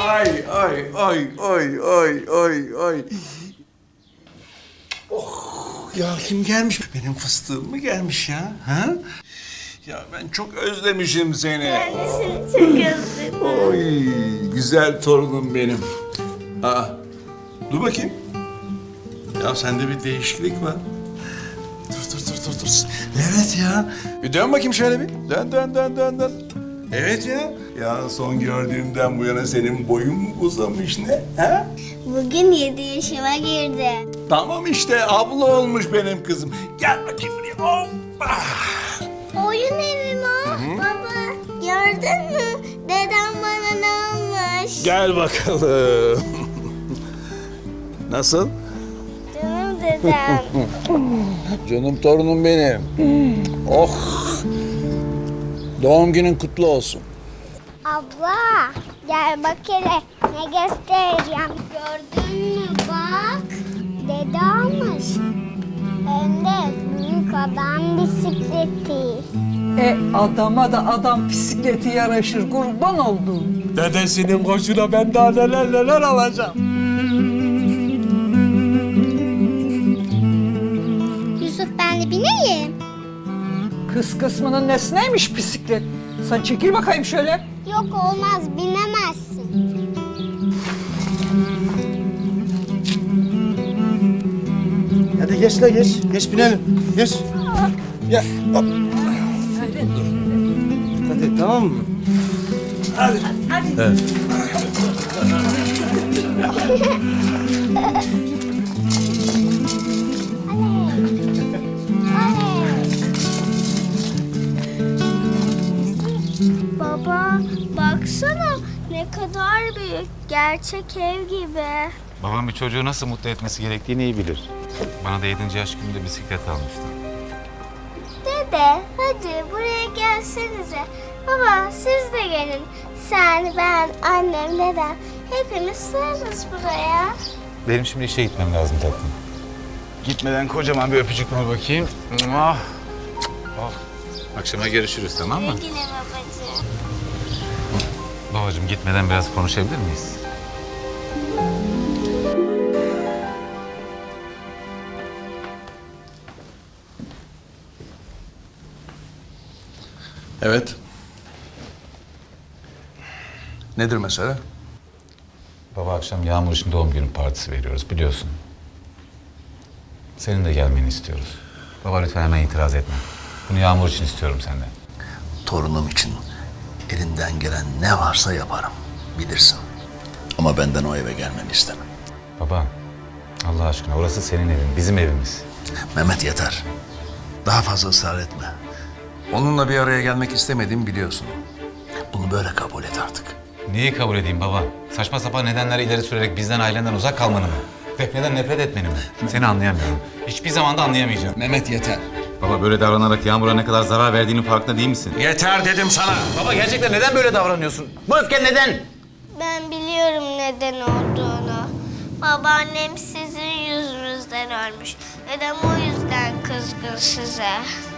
Ay ay ay ay ay ay ay. Oh ya kim gelmiş? Benim fıstığım mı gelmiş ya? Ha? Ya ben çok özlemişim seni. Ben de seni çok özledim. Oy güzel torunum benim. Aa, dur bakayım. Ya sende bir değişiklik var. Dur. Evet ya. Bir dön bakayım şöyle bir. Dön. Evet ya. Ya son gördüğümden bu yana senin boyun mu uzamış ne? Ha? Bugün 7 yaşıma girdim. Tamam işte abla olmuş benim kızım. Gel bakayım buraya. Hoppa. Oyun evim o. Baba gördün mü? Dedem bana ne almış? Gel bakalım. Nasıl? Canım dedem. Canım torunum benim. Oh. Doğum günün kutlu olsun. Abla gel bak hele ne göstereceğim. Gördün mü bak. Dede almış. Hem de büyük adam bisikleti. Adama da adam bisikleti yaraşır, kurban olduğum. Dedesinin koşuna ben daha neler alacağım. Yusuf ben de bineyim. Kız kısmının nesneymiş bisiklet? Sen çekil bakayım şöyle. Yok olmaz binemezsin. Hadi geç la geç. Geç binelim. Geç. Ya. Hop. Hadi tamam mı? Baba baksana ne kadar büyük. Gerçek ev gibi. Babam bir çocuğu nasıl mutlu etmesi gerektiğini iyi bilir. Bana da 7. yaş günümde bisiklet almıştı. Dede hadi buraya gelsenize. Baba siz de gelin. Sen, ben, annem, dedem hepimiz sığarız buraya. Benim şimdi işe gitmem lazım tatlım. Gitmeden kocaman bir öpücük ver bakayım. Ah. Oh. Akşama görüşürüz tamam mı? Yine babacığım. Babacığım gitmeden biraz konuşabilir miyiz? Evet. Nedir mesele? Baba akşam Yağmur için doğum günü partisi veriyoruz biliyorsun. Senin de gelmeni istiyoruz. Baba lütfen hemen itiraz etme. Bunu Yağmur için istiyorum senden. Torunum için elinden gelen ne varsa yaparım. Bilirsin. Ama benden o eve gelmeni istemem. Baba Allah aşkına orası senin evin, bizim evimiz. Mehmet yeter. Daha fazla ısrar etme. Onunla bir araya gelmek istemediğimi biliyorsun. Bunu böyle kabul et artık. Neyi kabul edeyim baba? Saçma sapan nedenler ileri sürerek bizden ailenden uzak kalmanı mı? Defne'den nefret etmeni mi? Seni anlayamıyorum. Hiçbir zaman da anlayamayacağım. Mehmet yeter. Baba böyle davranarak Yağmur'a ne kadar zarar verdiğinin farkında değil misin? Yeter dedim sana. Baba gerçekten neden böyle davranıyorsun? Bu öfken neden? Ben biliyorum neden olduğunu. Babaannem sizin yüzünüzden ölmüş. Dedem o yüzden kızgın size.